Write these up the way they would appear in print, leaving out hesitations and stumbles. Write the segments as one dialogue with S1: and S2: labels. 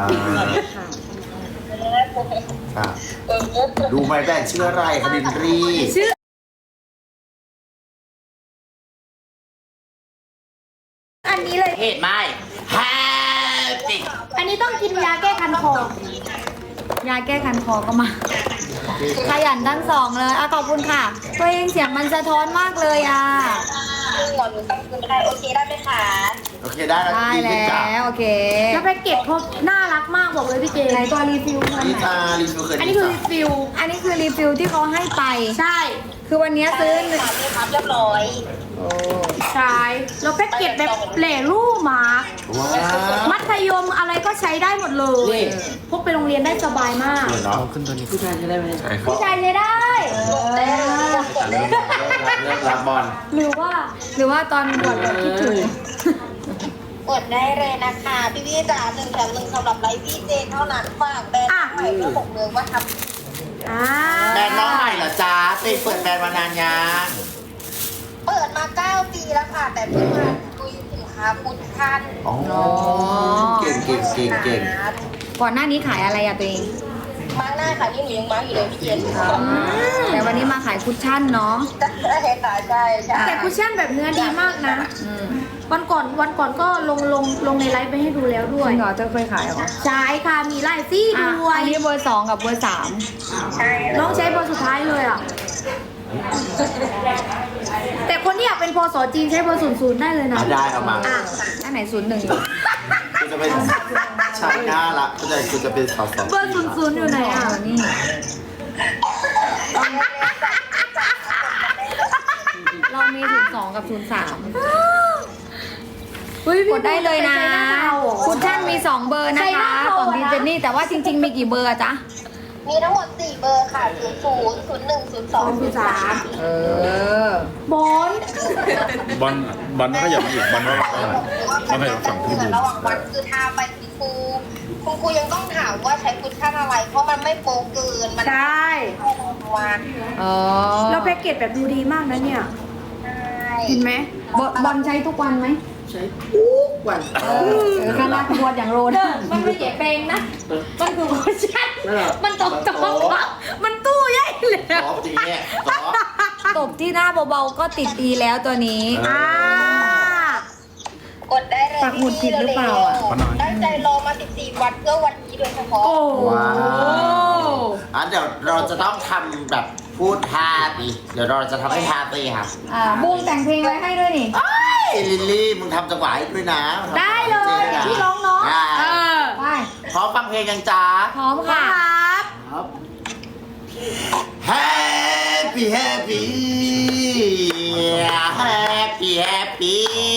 S1: ค่ะดูไหมแบรนด์ชื่ออะไรคะดินรี
S2: ชื่ออันนี้เลย
S1: เหตุไหมแฮปปี้
S2: อันนี้ต้องกินยาแก้คันคอ ยาแก้คันคอก็มา ขยันทั้งสองเลยขอบคุณค่ะตัวเองเสียงมันสะท้อนมากเลย
S3: หมอหนูตั้งคืนได้โอเคได้ไหมคะ
S1: โอเคได้แล้ว
S2: ได้
S1: ดีขึ้นจ้ะ
S2: แล้วโอเค แล้วแพ็กเกจเขาน่ารักมากบอกเลยพี่เจไหนตัวรีฟิล
S1: นี่จ้ารีวิวเคย
S2: อันนี้คือรีฟิล อันนี้คือรีฟิลที่เขาให้ไป ใช่ คือวันนี้ซื้อ
S3: ค่ะพี่ครับเรียบร้อย
S2: ใช่แล้วแพ็กเกจแบบแหล่รูปหมา
S1: ว้า
S2: มัธยมอะไรก็ใช้ได้หมดเลยพกไปโรงเรียนได้สบายมาก
S1: เนาะ
S4: ขึ้นตัวนี้ผู้ชายจะได้ไหม
S2: ผู้ชายใช้ได้
S1: เลิกรับบอล
S2: หรือว่าตอนบวชแบบคิดถึง
S3: กดได้เลยนะคะพี่จ๋า1 แถม 1สำหรับไลฟ์พี่เจเท่านั้นฝากแบรนด์ใหม่เพื่อบอกเลยว่าทำ
S1: แบรนด์น้องใหม่เหรอจ้าเปิดแบรนด์มานานยัง
S3: เปิดมา9 ปีแล้วค่ะแต่เพิ่งมาคุยสินค้าพุทธัน
S1: อ๋อเก่ง
S2: ก่อนหน้านี้ขายอะไรอะตัวเอง
S3: มาร์กหน้าค่ะนี่หนูยังมาร์กอยู่เลยพี่เจน
S2: แต่วันนี้มาขายคุชชั่นเนาะ
S3: ใช่ค่ะใช่
S5: แต่คุชชั่นแบบเนื้อดีมากนะ วันก่อนก็ลงในไลฟ์ไปให้ดูแล้วด้วย
S2: จริงเหรอเธอเคยขายเหรอ
S5: ใช่ค่ะมีไลฟ์ซี่ด้วย
S2: อันนี้เบอร์ 2 กับเบอร์
S3: ใช่
S5: น้องใช้เบอร์สุดท้ายเลยอ่ะ แต่คนที่อยากเป็นพศจีนใช้เบอร์00ได้เลยนะ
S1: ได้เอามา
S5: อ่ะ
S2: 3อันไหน 01
S1: กูจะเป็นชายหน้าละกูจะเป็นสาว
S5: เบอร์00อยู่ไหนอ่ะ
S2: นี่เรามี02 กับ 03
S5: เฮ้ย
S2: กดได้เลยนะ
S5: ใช้หาเราเหรอ
S2: คุชชั่นมี 2 เบอร์นะ
S5: ใช้ห
S2: คะ
S5: น้าเรา
S2: ของดี
S5: อะนะ
S2: เจนนี่แต่ว่าจริง ๆ มีกี่เบอร์อะจ๊ะ
S3: มีทั้งหมด4เบอร์ค่ะ00 01 02 03
S2: เออ
S5: บอล
S6: บอลก็อย่ามาอีกบอลก็ต้องให้ฝั่งพี่บูม
S3: ระหว่างวันคือทาไปคุณครูยังต้องถามว่าใช้คุชชั่นอะไร เพราะมันไม่โป๊เกินมัน
S5: ใช่
S3: วัน
S2: อ๋อ
S5: แล้วแพ็กเกจแบบดูดีมากนะเนี่ย
S3: ใช่
S5: เห็นไหม
S2: บอลใช้ทุกวันไหม
S4: ใช้ทุกวัน
S2: คณะขบวนอย่างโรน
S5: มันไม่ใช่เพลงนะ มันคือคุชชั่น
S4: นั่นแหละ
S5: มันตบมันตู้ใหญ่เลย
S1: ๆซอฟต์ดีเนี่ยซอฟต์
S2: ตบที่หน้าเบาๆก็ติดดีแล้วตัวนี้
S3: กดได้เลย
S2: ปักหมุดผิดหรือเปล่าอะ
S3: ตั้งใจรอมา14 วันเพื่อวันนี้โดยเฉพาะ
S5: โอ้
S1: ว้าวเดี๋ยวเราจะต้องทำแบบพูดฮาตีเดี๋ยวเราจะทำให้ฮาตีครับ
S2: บูมแต่งเพลงไว้ให้ด้วยนี่
S1: เอ้ยลิลลี่มึงทำจังหวะให้ด้วยนะ
S5: ได้เลยพี่ร้องเนาะ
S1: ได้
S2: ไป
S1: พร้อมฟังเพลงยังจ้า
S2: พร้อมค่ะ
S4: ครับ
S1: Happy Happy Happy Happy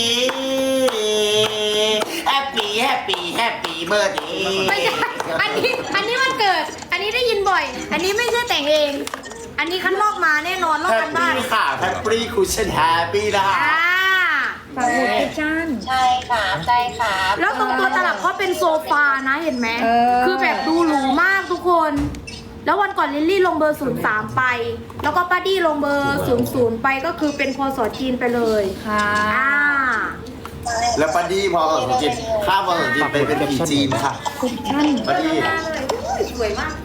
S1: Happy Happy Happy Birthday
S5: ไม่ใช่ อันนี้มันเกิด อันนี้ได้ยินบ่อย อันนี้ไม่ใช่แต่งเอง อันนี้คันลอกมาแน่นอนลอกกันบ้าน
S1: Happy ค่ะ Happy Cushion Happy นะคะ
S2: ฝากหมุดคุชชั่น
S3: ใช่ค่ะใช่ค่ะ
S5: แล้วตรงตัวตลับเขาเป็นโซฟานะเห็นไหม
S2: เออ
S5: คือแบบดูหรูมากทุกคน แล้ววันก่อนลิลลี่ลงเบอร์03ไป แล้วก็ป้าดี้ลงเบอร์00ไปก็คือเป็นพศจีนไปเลย
S2: ค่ะ
S1: แล้วปาดี้พอสมจิตข้ามพอสมจิตไปเป็นผีจีนค่ะ
S2: คุชชั่น
S1: ปาดี้
S3: สวยมาก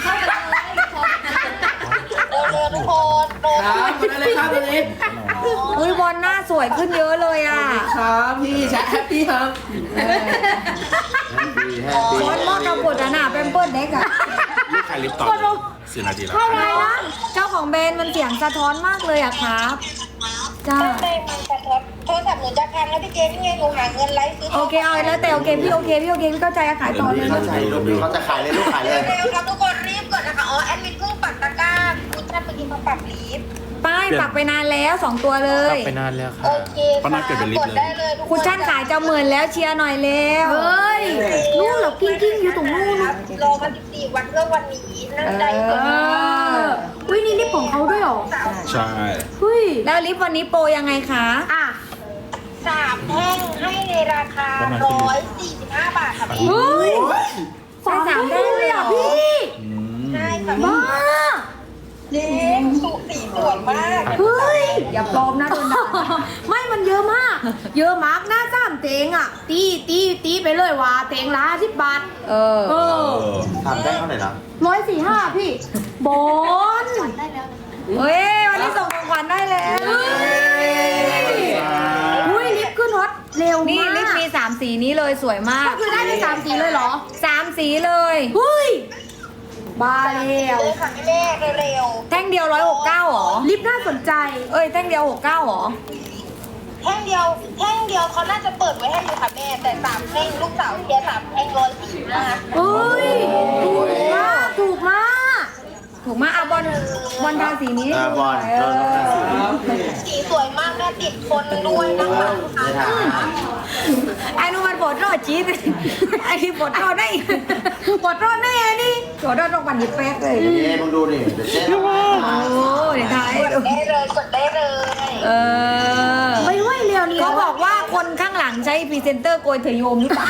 S3: เร็วๆทุกคนเร็ว
S4: ครับกดได้เลยครับตัวนี้
S2: อุ้ยบอลหน้าสวยขึ้นเยอะเลยอ่ะ
S4: ครับพี่แชทแฮปปี้ครับ
S2: บอลมอดเราปวดหนาเป็นเปิ้ลเด็กอ่ะ
S6: ลูกค้าลิฟต์ต่อ4 นาทีแล้ว
S2: เท่าไรนะเจ้าของแบรนด์มันเสียงสะท้อนมากเลยอะครับ จ้า
S3: ๆได้มันสะท้อนโทรศัพท์หนูจะพังแล้วพี่เจนี่ไงหนูหาเงินไลฟ์ซื้อ
S2: โอเคเอาแล้วแต่โอเคพี่โอเคพี่เข้าใจอะขายต่อเลย
S1: เข้าใจลูกเขาจะขายเลยลูกขายเลย
S3: เร็วๆครับทุกคนรีบกดนะคะอ๋อแอดมินเพิ่งปักตะกร้าคุณท่านเมื่อกี้มาปักลิฟต์
S2: ป้ายปักไปนานแล้ว 2 ตัวเล
S6: กลั
S2: ย
S6: บไปนานแล้วค่ะ
S3: โอเค
S6: ป้านัดเกิดเป็นลิฟ
S3: ก
S6: ต์
S3: ด
S6: เลย
S3: ได้เลยทุก
S2: คุณชั่นขายจะหมื่นแล้วเชียร์หน่อยเร็ว
S5: เฮ้ยนู่นเหรอกิ้งอยู่ตรงนู่น
S3: ครับรอมา14 วันเพื่อวันนี้นั่งใจกด
S5: อุ้ยนี่ลิปของเขาด้วยเหรอ
S6: ใช่
S5: เฮ้ย
S2: แล้วลิฟต์วันนี้โปรยังไงคะ
S5: อ่ะ
S3: 3 แท่งให้ในราคา145 บาทค่ะพี่
S5: เฮ้ย
S2: ใช้3ได้เลยเหรอ
S5: พี่
S3: ใช่ค่ะ
S5: บ้า
S3: เจ๊สุสีสวยมาก
S5: เฮ้ย
S2: อย่าปลอมนะโดนด่า
S5: ไม่มันเยอะมากเยอะมากหน้าซ้ำเตงอ่ะ ตีไปเลยว่าเตงละ10 บาท
S2: เออ
S5: เออ
S1: ทำได้เท่าไหร่นะ
S5: 145พี่บอล
S2: เฮ้ย วันนี้ส่งของขวัญได้แล้ว
S5: อุ้ยลิฟต์ขึ้นฮอตเร็ว
S2: นี่
S5: มาก
S2: ลิปมี3 สีนี้เลยสวยมาก
S5: ก็คือได้ไป3 สีเลยเหรอ
S2: 3 สีเลย
S5: เฮ้ยบ้าแล้ว
S3: เลยค่ะแม่เร็ว
S2: แท่งเดียว169หรอ
S5: ลิฟต์น่าสนใจ
S2: เอ้ย แท่งเดียว69หรอ
S3: ๆแท่งเดียวเขาน่าจะเปิดไว้ให้อยู่ค่ะแม่แต่3แท่งลูกสาวเชียร์3แท่ง145
S5: เฮ้ย ถูกมาก
S2: ถูกมากอ่ะบอลทาสีนี้
S1: บอล
S2: เออ
S3: สีสวยมากแม่ติดคนด้วยนะคะลูกค้า
S1: ไม่ถาม
S2: ไอ้นู่นมันปวดรอดจี๊ดไอ้ที่ปวดรอดได้ปวดรอดได้ไงนี่ปวดรอดตรงปันยิบแป๊กเลย
S1: นี่มึงดูดิเดี๋ยวเจ๊ทำให้
S2: โอ้เดี๋ยวทายให้ดู
S3: กดได้เลย
S2: เออ
S5: ไม่ไหวเร็วนี่
S2: เขาบอกว่าคนข้างหลังใช้พรีเซนเตอร์โกยเถยโยมหรือเปล่า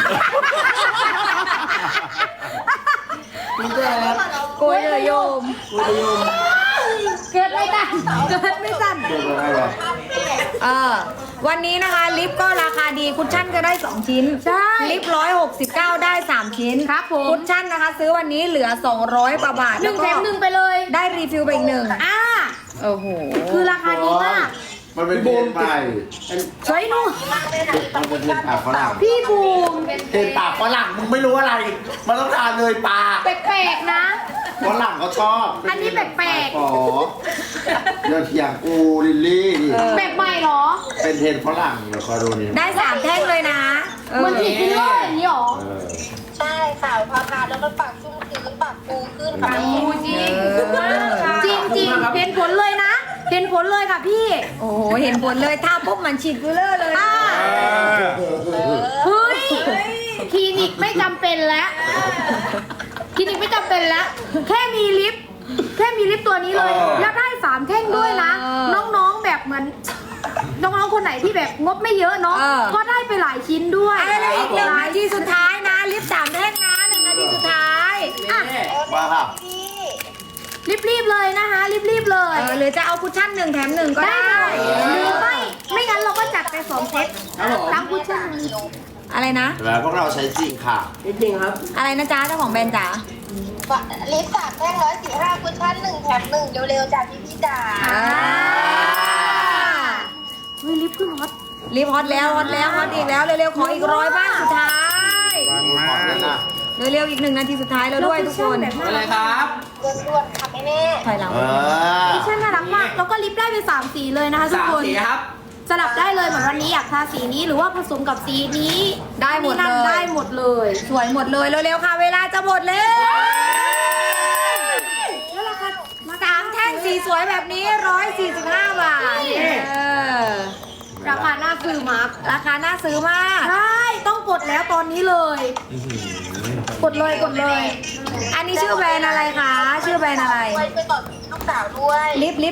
S4: คุณเจอครับ
S2: โกยเถยโยม
S5: เกิดไม่ทันเกิดไม่ทัน
S1: เจ๊ทำให้เหรอ
S2: วันนี้นะคะลิปก็ราคาดีคุชชั่นก็ได้ 2 ชิ้น
S5: ใช่
S2: ลิป169 ได้ 3 ชิ้น
S5: ครับผม
S2: คุชชั่นนะคะ ซื้อวันนี้เหลือ 200 กว่าบาท
S5: หนึ่งแถมหนึ่งไปเลย
S2: ได้รีฟิลไปอีกหนึ่ง
S5: อ่า
S2: โอ้โห
S5: คือราคาดีมาก
S1: มันเป็นเทียนไป
S5: สวยหนู
S1: มันเป็นเทียนปากฝรั่ง
S5: พี่บูม
S1: เทียนปากฝรั่งมึงไม่รู้อะไร มันต้องทานเลยปาก
S5: แปลกๆนะ
S1: ฝรั่งเขาชอบ
S5: อันนี้แปลกๆ
S1: อ๋อเดี๋ยวเถียงกูลิลลี่ดิ
S5: แปลกใหม่เหรอ
S1: เป็นเทรนฝรั่งเดี๋ยวคอยดูนี่
S2: ได้ 3 แท่งเลยนะ
S5: เหมือนผีฟิลเลอร์อย่างนี้เหรอ
S1: เออ
S3: ใช่ค่ะพอทานแล้วมันปากชุ่มชื้นปากฟูขึ้นค่ะแม่
S5: จริงจริงๆเห็นผลเลยนะ เห็นผลเลยค่ะพี่
S2: โอ้โห เห็นผลเลยทาปุ๊บมันฉีดฟิลเลอร์เลย
S5: อ่า เฮ้ย คลินิกไม่จำเป็นแล้ว คลินิกไม่จำเป็นแล้ว แค่มีลิฟต์ตัวนี้เลย แล้วได้3 แท่งด้วยนะ น้องๆแบบเหมือน น้องๆคนไหนที่แบบงบไม่เยอะเนาะ ก็ได้ไปหลายชิ้นด้วย
S2: อะไรเลยอีก1 นาทีสุดท้ายนะ ลิป3 แท่งนะ1 นาทีสุดท้าย
S5: อ่ะ
S1: มาค่ะ
S3: พี่
S5: รีบๆเลยนะคะ รีบๆเลย
S2: หรือจะเอาคุชชั่น1 แถม 1 ก็
S5: ได้
S2: ได้
S5: หรือไม่งั้นเราก็จัดไป2 เซต
S4: ครับผม
S5: ทั้งคุชชั่น
S2: อะไรนะ
S1: แล้วพวกเราใช้จริงค่ะ
S4: จริงๆครับ
S2: อะไรนะจ๊ะเจ้าของแบรนด์จ๋า
S3: ลิป3แท่ง145คุชชั่น1แถม1เร็วๆจากพี่จ๋า
S5: เฮ้ยลิฟต์ขึ้นฮอต
S2: รีบฮอตแล้วฮอตอีกแล้ว เร็วๆ ขออีก100 บ้านสุดท้าย
S6: ฟัง
S1: ข
S6: มา
S1: อบคุณนะ
S2: เร็วๆ อีก1 นาทีสุดท้ายแล้วด้วยทุกคน
S5: แบบ
S4: อะไรครับ
S3: ด่วนๆค่ะแม่
S2: ถอยหลัง
S1: เออ
S5: คุชชั่นน่ารักมาก แล้วก็ลิฟต์ได้เป็น3 สีเลยนะคะทุก
S4: 3
S5: คน
S4: สีครับ
S5: สลับได้เลยเหมือนวันนี้อยากทาสีนี้หรือว่าผสมกับสีนี้
S2: ได้หมดเลย
S5: นั่นได้หมดเลย
S2: สวยหมดเลยเร็วๆ ค่ะ เวลาจะหมดแล้ว
S5: แล้วราคา
S2: 3 แท่งสีสวยแบบนี้145 บาท
S5: ราคาน่าซื้อมาก
S2: ราคาน่าซื้อมาก
S5: ใช่ต้องกดแล้วตอนนี้เลย กดเลย
S2: อันนี้ชื่อแบรนด์อะไรคะ ชื่อแบรนด์อะไร
S3: ไปก่อนลูกสาวด้วย
S2: ลิป